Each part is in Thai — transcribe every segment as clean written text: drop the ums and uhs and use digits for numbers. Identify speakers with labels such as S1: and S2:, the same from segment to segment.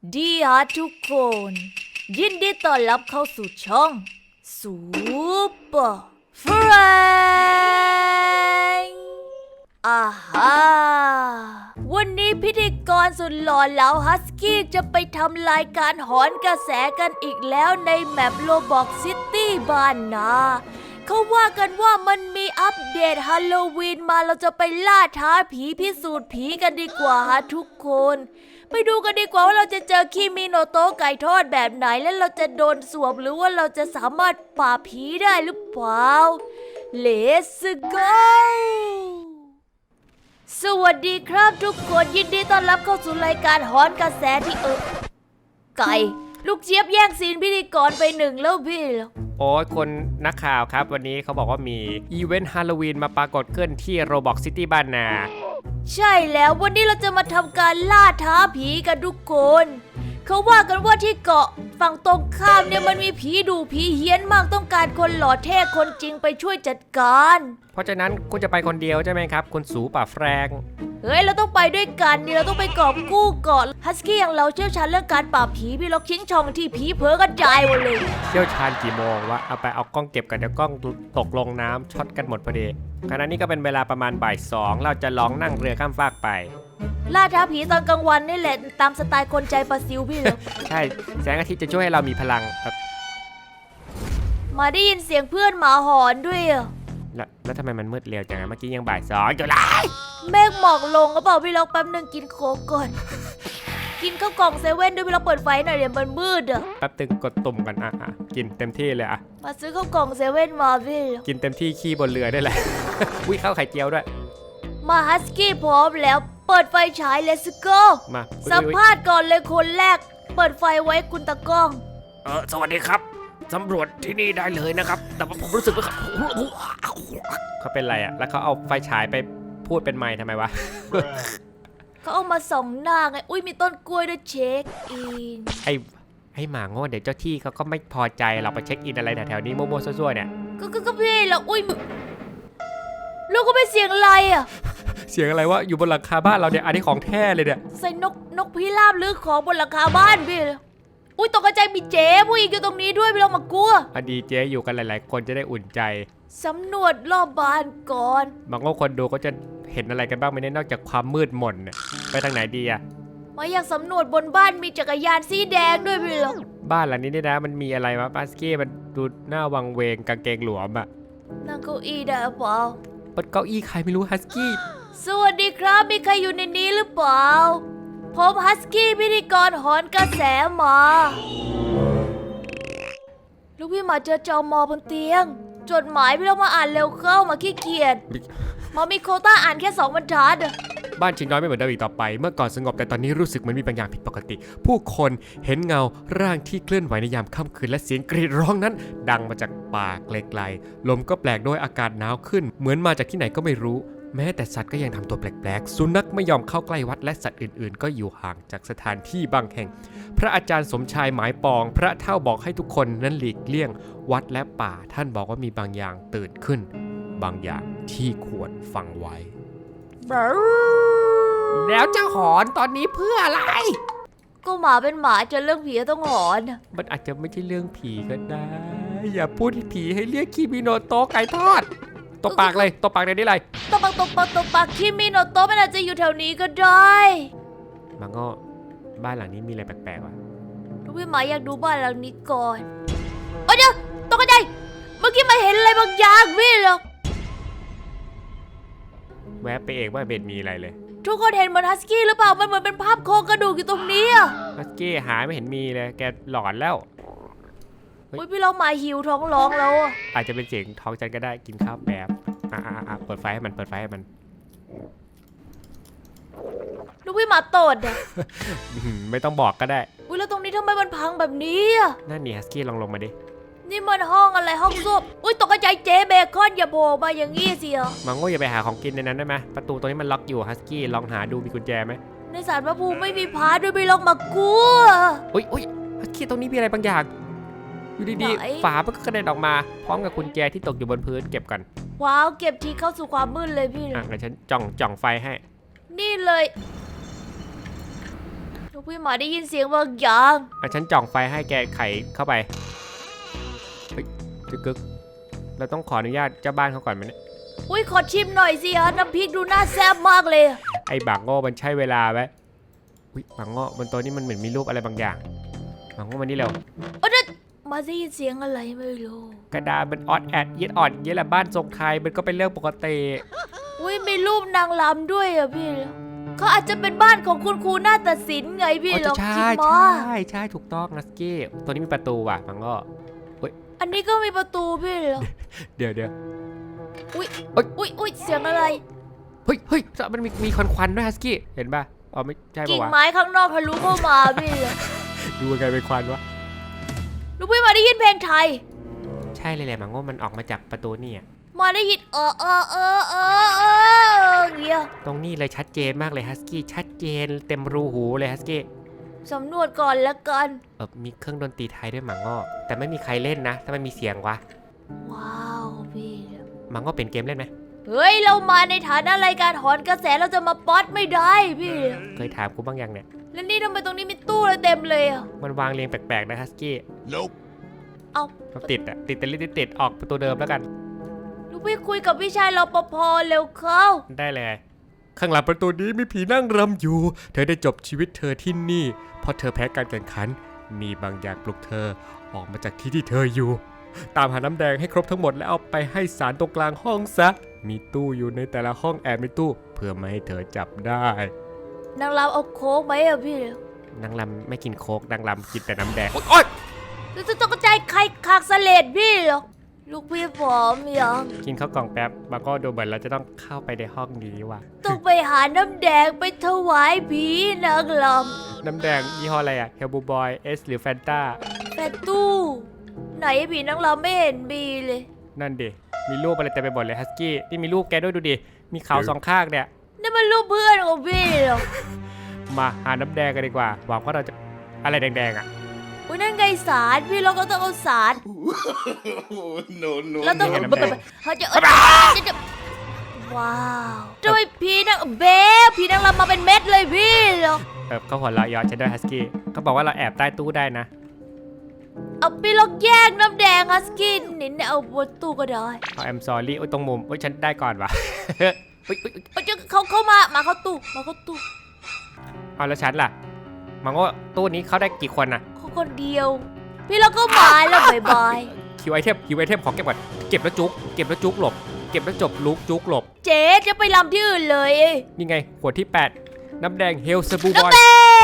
S1: ดีฮะทุกคนยินดีต้อนรับเข้าสู่ช่องซูเปอร์แฟรงอาฮาวันนี้พิธีกรสุดหล่อเหลาฮัสกี้จะไปทำรายการหอนกระแสกันอีกแล้วในแมปโรบอกซิตี้บ้านนาเขาว่ากันว่ามันมีอัปเดตฮาโลวีนมาเราจะไปล่าท้าผีพิสูจน์ผีกันดีกว่าฮะทุกคนไปดูกันดีกว่าว่าเราจะเจอคิมิโนโตะไก่ทอดแบบไหนและเราจะโดนสวมหรือว่าเราจะสามารถปราบผีได้หรือเปล่า Let's go สวัสดีครับทุกคนยินดีต้อนรับเข้าสู่รายการหอนกระแสที่ไก่ลูกเจี๊ยบแย่งซีนพิธีกรไปหนึ่งแล้วพี่
S2: โอ้ยคนนักข่าวครับวันนี้เขาบอกว่ามีอีเวนต์ฮาโลวีนมาปรากฏขึ้นที่โรบอกซิตี้บ้านนา
S1: ใช่แล้ววันนี้เราจะมาทำการล่าท้าผีกันทุกคนเขาว่ากันว่าที่เกาะฝั่งตรงข้ามเนี่ยมันมีผีดุผีเฮี้ยนมากต้องการคนหล่อเท่คนจริงไปช่วยจัดการ
S2: เพราะฉะนั้นคุณจะไปคนเดียวใช่ไหมครับคุณสูป่าแฟรง
S1: เฮ้ยเราต้องไปด้วยกันนี่เราต้องไปกอบกู้เกาะฮัสกี้อย่างเราเชี่ยวชาญเรื่องการปราบผีพี่ล็อกชิงช่องที่ผีเผลอกระจายหมดเลย
S2: เชี่ยวชาญกี่โมงวะเอาไปเอากล้องเก็บกันเดี๋ยวกล้องตกลงน้ำช็อตกันหมดพอดีขณะนี้ก็เป็นเวลาประมาณบ่าย2เราจะลองนั่งเรือข้ามฟากไป
S1: ล่าท้าผีตอนกลางวันนี่แหละตามสไตล์คนใจปลาซิวพี่เลย
S2: ใช่แสงอาทิตย์จะช่วยให้เรามีพลังครับ
S1: มาได้ยินเสียงเพื่อนหมาหอนด้วย
S2: แล้วทำไมมันมืดเร็วจังเมื่อกี้ยังบ่าย2อยู่เลย
S1: เมฆหมอกลงก็บอกพี่ล็อกแป๊บนึงกินโค้กก่อน กินข้าวกล่องเซเว่นด้วยพี่ล็อกเปิดไฟหน่อยเดี๋ยวมันมืด
S2: แป๊บตึงกดตุ่มกันกินเต็มที่เลย
S1: มาซื้อข้าวกล่องเซเว่นมาพี่
S2: กินเต็มที่ขี้บนเรือได้แหละ อุ้ยข้าวไข่เจียวด้วย
S1: มาฮัสกี้พร้อมแล้วเปิดไฟฉาย Let's go
S2: มา
S1: สัมภาษณ์ก่อนเลยคนแรกเปิดไฟไว้คุณตะก้อง
S2: สวัสดีครับสำรวจที่นี่ได้เลยนะครับแต่ว่าผมรู้สึกว่าเขาเป็นไรแล้วเขาเอาไฟฉายไปพูดเป็นไมค์ทำไมวะ
S1: เขาเอามาส่องหน้าไงอุ้ยมีต้นกล้วยด้วยเช็คอิน
S2: ไอ้หมาโง่เดี๋ยวเจ้าที่เขาก็ไม่พอใจเราไปเช็คอินอะไรแถวๆนี้โมโมซั่วๆเนี่ย
S1: ก็พี่แล้วอุ้ยลูกก็ไม่เสียงอะไร
S2: เสียงอะไรวะอยู่บนหลังคาบ้านเราเนี่ยอันนี้ของแท้เลยเนี่ย
S1: ใส่นกพิราบหรือของบนหลังคาบ้านพี่อุ้ยตกใจมีเจ๊ผู้หญิงอยู่ตรงนี้ด้วยพี่เรามากลัว
S2: ดีเจ๊อยู่กันหลายๆคนจะได้อุ่นใจ
S1: สำรวจรอบบ้านก่อน
S2: บางคนดูก็จะเห็นอะไรกันบ้างไม่ได้นอกจากความมืดมนไปทางไหนดี
S1: มาอยากสำรวจบนบ้านมีจักรยานสีแดงด้วยพี่เรา
S2: บ้านหลังนี้นี่นะมันมีอะไรวะปาสกี้มันดูหน้าวังเวงกางเกงหลวม
S1: นั่งเก้าอี้ได้เปล่า
S2: บนเก้าอี้ใครไม่รู้ฮัสกี้
S1: สวัสดีครับมีใครอยู่ในนี้หรือเปล่าผมฮัสกี้พิธีกรหอนกระแสมาลูกพี่มาเจอจอมอบนเตียงจดหมายพี่เรามาอ่านเร็วเข้ามาขี้เกียจมามีโควต้าอ่านแค่2 บรรทัด
S2: บ้านชิงน้อยไม่เหมือนเดิมอีกต่อไปเมื่อก่อนสงบแต่ตอนนี้รู้สึกเหมือนมีบางอย่างผิดปกติผู้คนเห็นเงาร่างที่เคลื่อนไหวในยามค่ำคืนและเสียงกรีดร้องนั้นดังมาจากป่าไกลๆลมก็แปลกโดยอากาศหนาวขึ้นเหมือนมาจากที่ไหนก็ไม่รู้แม้แต่สัตว์ก็ยังทำตัวแปลกๆสุนัขไม่ยอมเข้าใกล้วัดและสัตว์อื่นๆก็อยู่ห่างจากสถานที่บางแห่งพระอาจารย์สมชายหมายปองพระเฒ่าบอกให้ทุกคนนั้นหลีกเลี่ยงวัดและป่าท่านบอกว่ามีบางอย่างตื่นขึ้นบางอย่างที่ควรฟังไว้แล้วจะหอนตอนนี้เพื่ออะไร
S1: ก็หมาเป็นหมาเจอเรื่องผีต้องหอน
S2: มันอาจจะไม่ใช่เรื่องผีก็ได้อย่าพูดผีให้เรียกคิมิโนโตะไก่ทอดตบปากเลยตบปากเลยนี่ไร
S1: ตบปากคิมิโนโตะมันอาจจะอยู่แถวนี้ก็ได้
S2: มังก็บ้านหลังนี้มีอะไรแปลกๆวะ
S1: ลูกพี่หมาอยากดูบ้านหลังนี้ก่อนเดี๋ยวตกใจเมื่อกี้มาเห็นอะไรบางอย่างพี่หรอ
S2: แวะไปเองว่าเบ็ดมีอะไรเลย
S1: ทุกคนเห็นเหมือนฮัสกี้หรือเปล่ามันเหมือนเป็นภาพโครงกระดูกอยู่ตรงนี้
S2: ฮัสกี้หายไม่เห็นมีเลยแกหลอนแล้ว
S1: อุ้ยพี่เราหมาหิวท้องร้องแล้ว
S2: อาจจะเป็นเสียงท้องจันก็ได้กินข้าวแบบเปิดไฟให้มัน
S1: ลูกพี่หมาตด
S2: ไม่ต้องบอกก็ได้
S1: อุ้ยแล้วตรงนี้ทำไมมันพังแบบนี้
S2: นั่นนี่ฮัสกี้ลองมาดิ
S1: นี่มันห้องอะไรห้องส้วมอุ้ยตกใจเจ๊เบคอนอย่าโผล่มาอย่างงี้สิ
S2: มังโง่อย่าไปหาของกินในนั้นได้ไหมประตูตรงนี้มันล็อกอยู่ฮัสกี้ลองหาดูมีกุญแจไหม
S1: ในศาลพระภูมิไม่มีพาด้วยไปลองมากลัว
S2: อุ้ยฮัสกี้ตรงนี้มีอะไรบางอย่างอยู่ดีๆฝามันก็กระเด็นออกมาพร้อมกับกุญแจที่ตกอยู่บนพื้นเก็บกัน
S1: ว้าวเก็บทีเข้าสู่ความมืดเลยพี่
S2: งั้นฉันจ่องไฟให้
S1: นี่เลยลูกพี่หมาได้ยินเสียงบางอย่าง
S2: ฉันจ่องไฟให้แกไขเข้าไปเฮ้ยจึกกึกเราต้องขออนุญาตเจ้าบ้านเขาก่อนไหมเนี่ย
S1: อุ้ยขอชิมหน่อยสิฮะน้ำพริกดูน่าแซ่บมากเลย
S2: ไอ้บางโง่มันใช่เวลาไหมอุ้ยบางโง่บนโต๊ะนี่มันเหมือนมีรูปอะไรบางอย่างบางโง่มันนี่เร็ว
S1: มาได้ยินเสียงอะไรไม่รู้
S2: กระดาษมันออดแอดเย็ดอ่อนเย็ดแหละบ้านทรงไทยมันก็เป็นเรื่องปกติ
S1: อุ้ยมีรูปนางรำด้วยอะพี่เขาอาจจะเป็นบ้านของคุณครูนาฏศิลป์ไงพี่ลอง
S2: ใช่
S1: คิด
S2: ใช่
S1: มา
S2: ใช่ถูกต้องนัสกี้ตัวนี้มีประตูว่ะบางโง่
S1: อันนี้ก็มีประตูพี่เหรอ
S2: เดี๋ยว
S1: อุ้ยเสียงอะไร
S2: เฮ้ยมันมีควันด้วยฮัสกี้เห็นป่ะอ๋อไม่ใช่
S1: กิ่
S2: ป่ะ
S1: ง
S2: วะ
S1: ไม้ข้างนอกทะลุเข้ามาพี่เหรอ
S2: ดูยังไงเป็นควันวะ
S1: ลูกพี่มาได้ยินเพลงไทย
S2: ใช่เลยแหละบางโง่มันออกมาจากประตูนี่อะ
S1: มาได้ยินเงี้ย
S2: ตรงนี้เลยชัดเจนมากเลยฮัสกี้ชัดเจนเต็มรูหูเลยฮัสกี้
S1: สำรวจก่อนละกัน
S2: มีเครื่องดนตรีไทยด้วยหมังโง่แต่ไม่มีใครเล่นนะถ้ามันมีเสียงวะ
S1: ว้าวพี่
S2: หมังโง่เป็นเกมเล่นไหม
S1: เฮ้ยเรามาในฐานะรายการหอนกระแสเราจะมาป๊อตไม่ได้พี่
S2: เคยถามกูบ้างยังเนี่ย
S1: แล้วนี่ทำไมตรงนี้มีตู้อะไรเต็มเลยอะ
S2: มันวางเรียงแปลกๆนะฮัสกี้
S3: Nope.
S1: เอา
S2: ติดแต่ติดออกประตูเดิมแล้วกัน
S1: ลูกพี่คุยกับพี่ชายรปภเร็วเข้า
S2: ได้เลย ข้างหลังประตูนี้มีผีนั่งรำอยู่ เธอได้จบชีวิตเธอที่นี่เพราะเธอแพ้การแข่งขันมีบางอย่างปลุกเธอออกมาจากที่ที่เธออยู่ ตามหาน้ำแดงให้ครบทั้งหมดแล้วเอาไปให้สารตรงกลางห้องซะมีตู้อยู่ในแต่ละห้องแอบในตู้เพื่อไม่ให้เธอจับได้
S1: นางรำเอาโค้กไหมอะพี่
S2: นางรำไม่กินโค้กนางรำกินแต่น้ำแดงโอ๊ย
S1: แล้วจะต้องกระจายไข่ขากสเลดพี่เหรอลูกพี่ผอมยัง
S2: กินข้าวกล่องแป๊บบางก็ดูเหมือนเราจะต้องเข้าไปในห้องนี้ว่ะ
S1: ต้องไปหาน้ำแดงไปถวายผีนางร
S2: น้ำแดงยี่ห้ออะไรอะเฮลบูบอยเอสหรือแฟนตา
S1: ำแต่ตู้ไหนผีนางรำไม่เห็นมีเลย
S2: นั่นดิมีรูปอะไรเต็มไปหมดเลยฮัสกี้นี่มีรูปแกด้วยดูดิมีเขาสองข้างเนี่ย
S1: นี่มันรูปเพื่อนของพี่เหรอ
S2: มาหาน้ำแดงกันดีกว่าหวังว่าเราจะอะไรแดงๆอ่ะ
S1: อุ้ยนั่นไงสารพี่เราก็ต้องเอาสาร
S3: no, no,
S1: แล้วต้อง
S3: no.
S1: เขาจะว้าวทำไมผีนางเบลผีนางรำมาเป็นเม็ดเลยพี่เหรอ
S2: เขาหัวเราะเยาะฉันด้วยฮัสกี้เขาบอกว่าเราแอบใต้ตู้ได้นะ
S1: เอาพี่ลองแยกน้ำแดงฮัสกินนินเนี่ยเอาบนตู้ก็ได้
S2: เอาแอมซอรี่ตรงมุมฉันได้ก่อนวะ
S1: เอาจะเขามาเข้าตู้
S2: เอาแล้วฉันล่ะมังว่าตู้นี้เขาได้กี่คนน่ะ
S1: เขาคนเดียว พี่เราก็มาแล้วบาย
S2: คิวไอเทมขอเก็บก่อนเก็บแล้วจุกหลบเก็บแล้วจบลุกจุกหลบ
S1: เจ๊จะไปรำที่อื่นเลย
S2: นี่ไงขวดที่ 8 น้ำแดงเฮลสบูบอย
S1: เต้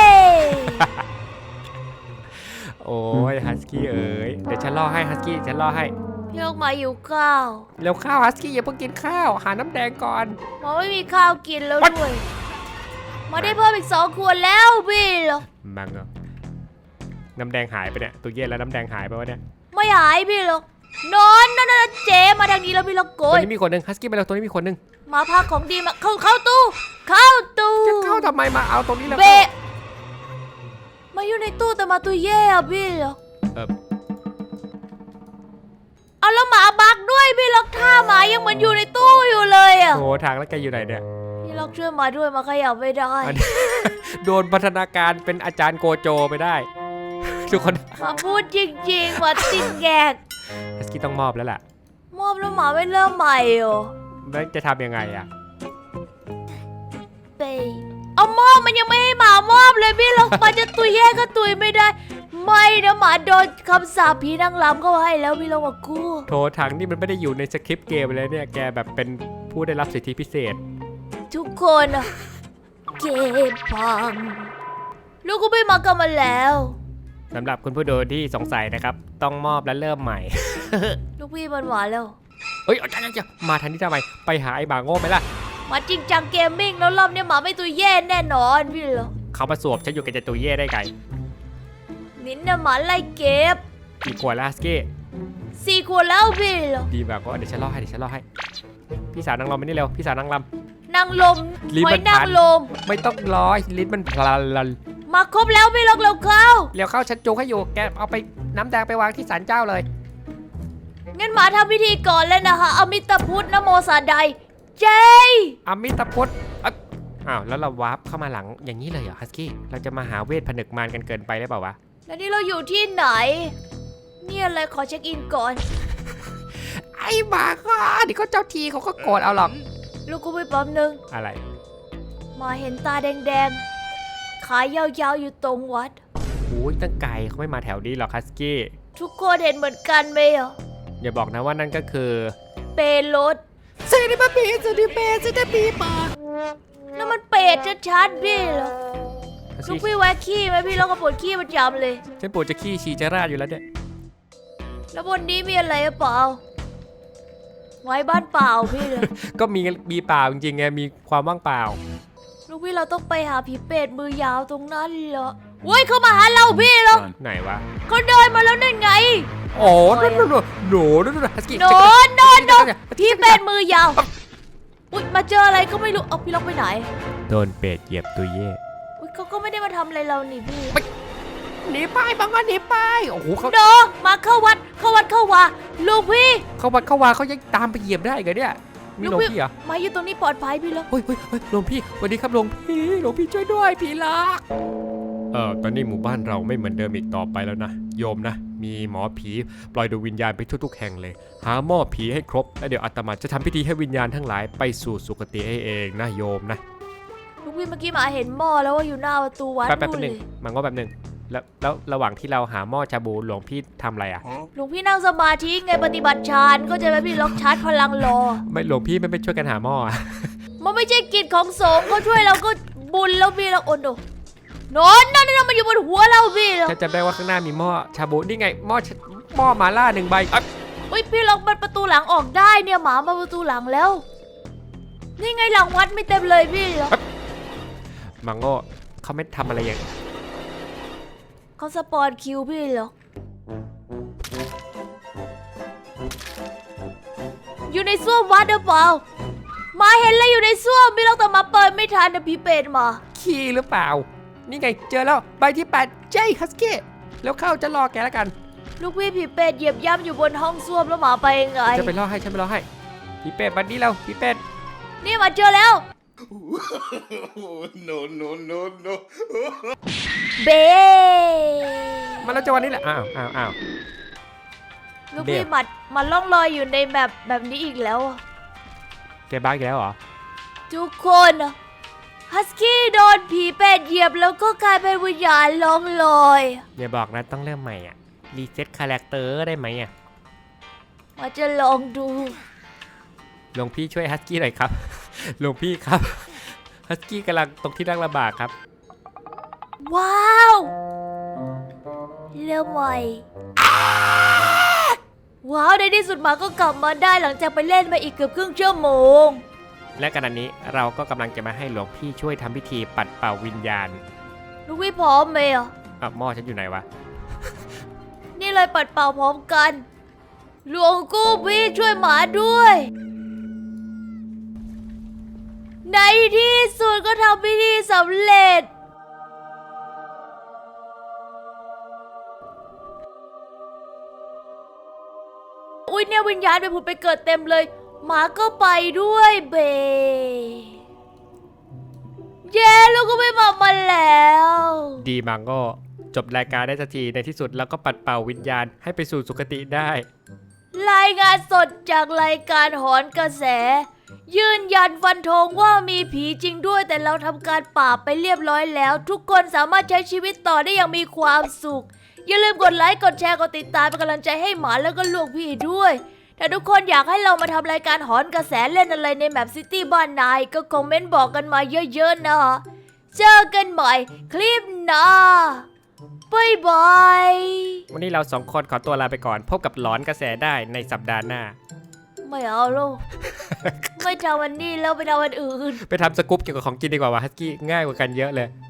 S2: โอ้ยฮัสกี้เอ๋ยเดี๋ยวฉันล่อให้ฮัสกี้ฉันล่อให้
S1: พี่เรามาอยู่ข้าว
S2: เร็วข้าวฮัสกี้อย่าเพิ่งกินข้าวหาน้ำแดงก่อน
S1: หมอไม่มีข้าวกินแล้วด้วยมาได้เพิ่มอีก2 ขวดแล้วพี่เหรอ
S2: มังเหรอน้ำแดงหายไปเนี่ยตัวเย็นแล้วน้ำแดงหายไปวะเนี่ย
S1: ไม่หายพี่เหรอนอนเจ๊มาทางนี้แล้วพี่เราโก
S2: ตัวย นี้มีคนหนึ่งฮัสกี้ไปแล้วตัวนี้มีคนหนึ่ง
S1: มาพาของดีมาเข้าตู้
S2: จะเข้าทำไมมาเอาตรงนี้แล้ว
S1: เบะมาอยู่ในตู้แต่มาตัวแย่อะพี่เหรอเอาแล้วหมาบักด้วยพี่ล็อกท่าหมายังเหมือนอยู่ในตู้อยู่เลยอะ
S2: โอ้ทางแล้วแกอยู่ไหนเนี่ย
S1: พี่ล็อกช่วยมาด้วยมาขยับไม่ได้
S2: อันนี้ โดนพัฒนาการเป็นอาจารย์โกโจไปได้ ทุกคน
S1: มาพูดจริงๆมาติดแงก
S2: ฮัสกี้ต้องมอบแล้วล่ะ
S1: มอบแล้วหมาไม่เริ่มใหม่เหรอ
S2: แล้วจะทำยังไงอะ
S1: เปเอามอบมันยังไม่ให้หมามอบเลยพี่ล็อกมันจะตุยแย่ก็ตุยไม่ได้ ไม่นะหมาโดนคำสาปผีนางรำเข้าให้แล้วพี่ล็อกมากู้
S2: โทรทางนี่มันไม่ได้อยู่ในสคริปต์เกมเลยเนี่ยแกแบบเป็นผู้ได้รับสิทธิพิเศษ
S1: ทุกคนอะเก็บพังลูกก็ไม่มากันมาแล้ว
S2: สำหรับคุณผู้ดูที่สงสัยนะครับ ต้องมอบและเริ่มใหม่
S1: ลูกพี่มันหวานแล้ว
S2: เฮ้ยจะมาทันที่ทำไมไปหาไอ้บาโง่ไหมล่ะ
S1: มาจริงจังเกมมิ่งแล้วรอบนี้หมาไม่ตัวแย่แน่นอนพี่เหรอ
S2: เขามาสวบฉันอยู่กับเจตัวเย่ได้ไง
S1: นินน่ะหมาไล่เก็บ
S2: กี่ขวดแล้วฮัสกี้
S1: 4 ขวดแล้วพี่เหรอ
S2: ดีแบบว่าเดี๋ยวฉันล่อให้พี่สาวนางรำมานี่เร็วพี่สาวนางร
S1: นางลม
S2: ลิ้น
S1: หอ
S2: มั
S1: ย
S2: น
S1: นาง
S2: พัน
S1: ลม
S2: ำไม่ต้องรอลิ้นมันพลัน
S1: มาครบแล้วพี่ล็อกเราเข้า
S2: เร็วเข้าฉันจูงให้อยู่แกเอาไปน้ำแดงไปวางที่ศาลเจ้าเลย
S1: งั้นหมาทำพิธีก่อนเลยนะคะอมิตาพุทธนะโมสาใดเจ
S2: อมิตาพุทธอ้าวแล้วเราวาร์ปเข้ามาหลังอย่างนี้เลยเหรอฮัสกี้เราจะมาหาเวทผนึกมารกันเกินไปหรือเปล่าวะ
S1: แล้วนี่เราอยู่ที่ไหนเนี่ยอะไรขอเช็คอินก่อน
S2: ไอ้บ้าก็เดี๋ยวเขาเจ้าทีเขาก็โกรธเอาหรอก
S1: ลูกกูไปปั๊มนึง
S2: อะไร
S1: มาเห็นตาแดงๆขายาวๆอยู่ตรงวัด
S2: โอ้ยตั้งไกลเขาไม่มาแถวนี้หรอกฮัสกี้
S1: ทุกคนเห็นเหมือนกันไหมอ่ะ
S2: อย่าบอกนะว่านั่นก็คือ
S1: เปรรถ
S2: ซีนิมาปีซีนิเปซีนิปีปา
S1: นั่นมันเป็ดชัดๆพี่เหรอ
S2: ฮัส
S1: ลูก
S2: กี้
S1: พี่แวะขี้ไหมพี่เราก็ปวดขี้ประจำเลย
S2: ฉันปวดจะขี้ฉี่จะราดอยู่แล้วเนี่ย
S1: แล้วบนนี้มีอะไรหรือเปล่าไว้บ้านเปล่าพี่เลย
S2: ก็มีเปล่าจริงๆไงมีความว่างเปล่า
S1: ลูกพี่เราต้องไปหาผีเป็ดมือยาวตรงนั้นเหรอเว้ยเขามาหาเราพี่เหรอ
S2: ไหนวะ
S1: เขาเดินมาแล้วนั่นไง
S2: โอ้นั่นโหนฮัสกี้
S1: โดนพี่เป็ดมือยาวอุ๊ยมาเจออะไรก็ไม่รู้เอาพี่ล็อกไปไหน
S2: โดนเป็ดเหยียบตัวเย่
S1: อุ๊ยเขาก็ไม่ได้มาทำอะไรเรานี่พี่
S2: หนีไปบางก็หนีไปโอ้โหเขา
S1: โดมาเข้าวัดเข้าวาลูกพี่
S2: เขาวัดเขาวาเขายังตามไปเหยียบได้เหรอเนี่ยมีหลวงพี่เหรอ
S1: มาอยู่ตรงนี้ปลอดภัยพี่ล็อก
S2: เฮ้ยหลวงพี่สวัสดีครับหลวงพี่ช่วยด้วยผีลักตอนนี้หมู่บ้านเราไม่เหมือนเดิมอีกต่อไปแล้วนะโยมนะมีหมอผีปล่อยดวงวิญญาณไปทุกๆแห่งเลยหาหม้อผีให้ครบแล้วเดี๋ยวอาตมาจะทำพิธีให้วิญญาณทั้งหลายไปสู่สุคติให้เองนะโยมนะ
S1: ลูกพี่เมื่อกี้มาเห็นหม้อแล้วว่าอยู่หน้าประตูวัด
S2: แป๊บ
S1: นู่น
S2: ห
S1: เล
S2: นึ่ง
S1: ย
S2: มันก็แป๊บหนึ่งแล้วระหว่างที่เราหาหม้อชาบูหลวงพี่ทำอะไรอ่ะ
S1: หลวงพี่นั่งสมาธิไงปฏิบัติฌานก็จะไปพี่ล็อกชาร์จพลังรอ
S2: ไม่หลวงพี่ไม่ไปช่วยกันหาหม้ออะ
S1: มันไม่ใช่กิจของสงฆ์เขาช่วยเราก็บุญแล้วพี่เราโอนโดนนั่นมันอยู่บนหัวเราพี่เรา
S2: ฉันจำได้ว่าข้างหน้ามีหม้อชาบูนี่ไงหม้อหมาล่า1 ใบอ๊ะ
S1: อุ้ยพี่ล็อกมันประตูหลังออกได้เนี่ยหมามาประตูหลังแล้ว นี่ไงหลังวัดไม่เต็มเลยพี่เหรอ
S2: มังโง่เขาไม่ทำอะไรอย่าง
S1: เขาสปอนคิวพี่เหรออยู่ในส้วมวัดหรือเปล่าหมาเห็นแล้วอยู่ในส้วมพี่ล็อกแต่หมาเปิดไม่ทันนะพี่เป็ดมา
S2: ขี้หรือเปล่านี่ไงเจอแล้วใบที่8เจ้ฮัสกี้แล้วเข้าจะรอแกแล้วกัน
S1: ลูกพี่ผีเป็ดเหยียบย่ำอยู่บนห้องส้วมแล้วหมาไปยังไง
S2: จะไปรอให้ฉันไปรอให้พี่เป็ดบัดนี้เราพี่เป็ด
S1: นี่มาเจอแล้ว
S3: no, no, no, no.
S1: เบ
S2: มาแล้วจังหวะนี้แหละอ้าว
S1: ลูกพี่หมัดมันล่องลอยอยู่ในแบบนี้อีกแล้วอะ
S2: แกบ้าอีกแล้วเหรอ
S1: ทุกคนฮัสกี้โดนผีเป็ดเหยียบแล้วก็กลายเป็นวิญญาณล่องลอย
S2: อย่าบอกนะต้องเริ่มใหม่อ่ะรีเซ็ตคาแรคเตอร์ได้ไหมอ่ะ
S1: มาจะลองดู
S2: หลวงพี่ช่วยฮัสกี้หน่อยครับ หลวงพี่ครับฮัสกี้กำลังตกที่นั่งลำบากครับ
S1: ว้าวเริ่มใหม่ว้าวในที่สุดหมาก็กลับมาได้หลังจากไปเล่นมาอีกเกือบครึ่งชั่วโมง
S2: และขณะนี้เราก็กำลังจะมาให้หลวงพี่ช่วยทำพิธีปัดเป่าวิญญาณ
S1: ลูกพี่พร้อมไหมอ่ะ
S2: หม้อฉันอยู่ไหนวะ
S1: นี่เลยปัดเป่าพร้อมกัน หลวงกู้พี่ช่วยหมาด้วย ในที่สุดก็ทำพิธีสำเร็จ อุ้ยเนี่ยวิญญาณไปผุดไปเกิดเต็มเลย หมาก็ไปด้วยเบเย้ลูกก็ไม่มาแล้ว
S2: ดีมังก็จบรายการได้สักทีในที่สุดแล้วก็ปัดเป่าวิญญาณให้ไปสู่สุคติได้
S1: รายงานสดจากรายการหอนกระแส ยืนยันฟันธงว่ามีผีจริงด้วยแต่เราทำการปราบไปเรียบร้อยแล้ว ทุกคนสามารถใช้ชีวิตต่อได้อย่างมีความสุข อย่าลืมกดไลค์กดแชร์กดติดตามเป็นกำลังใจให้หมาแล้วก็ลูกพี่ด้วยถ้าทุกคนอยากให้เรามาทำรายการหอนกระแสเล่นอะไรในแมปซิตี้บ้านนายก็คอมเมนต์บอกกันมาเยอะๆนะเจอกันใหม่คลิปหน้าบ๊ายบาย
S2: วันนี้เราสองคนขอตัวลาไปก่อน พบกับหลอนกระแสได้ในสัปดาห์หน้า
S1: ไม่เอาลูก ไม่ทำวันนี้แล้วไปทำวันอื่น
S2: ไปทำสกู๊ปเกี่ยวกับของกินดีกว่าวะฮัสกี้ง่ายกว่ากันเยอะเลย